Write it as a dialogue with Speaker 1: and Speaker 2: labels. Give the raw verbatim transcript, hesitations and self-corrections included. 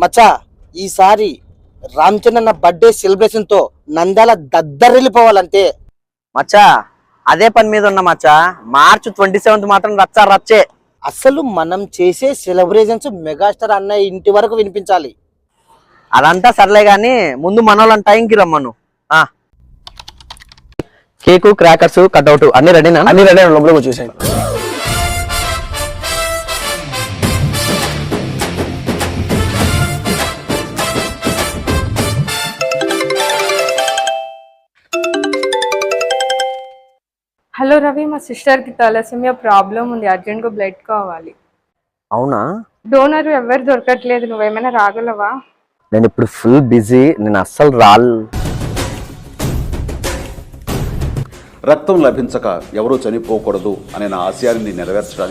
Speaker 1: మచ్చా ఈసారి రామచంద్రన్న birthday celebration తో నంద్యాల దద్దరిల్లిపోవాలంతే.
Speaker 2: మచ్చా అదే పని మీద ఉన్నా మచ్చా. మార్చ్ ట్వంటీ సెవెంత్ మాత్రం రచ్చా రచ్చే.
Speaker 1: అసలు మనం చేసే సెలబ్రేషన్స్ మెగాస్టార్ అన్నయ్య ఇంటి వరకు వినిపించాలి.
Speaker 2: అదంతా సర్లే గాని ముందు మనోళ్ళని టైంకి రమ్మను. ఆ కేకు, క్రాకర్స్, కట్అవుట్ అన్ని రెడీనా?
Speaker 3: అన్ని రెడీ లోపలికి వచ్చేసాయి.
Speaker 4: హలో రవి, మా సిస్టర్కి తలసేమియా ప్రాబ్లం ఉంది, అర్జెంట్గా బ్లడ్ కావాలి.
Speaker 2: అవునా?
Speaker 4: డోనర్ ఎవరు దొరకట్లేదు, నువ్వేమైనా రాగలవా?
Speaker 2: నేను ఇప్పుడు ఫుల్ బిజీ, నేను అస్సలు రాల్.
Speaker 5: రక్తం లభించక ఎవరూ చనిపోకూడదు అనే నా ఆశయాన్ని నెరవేర్చడానికి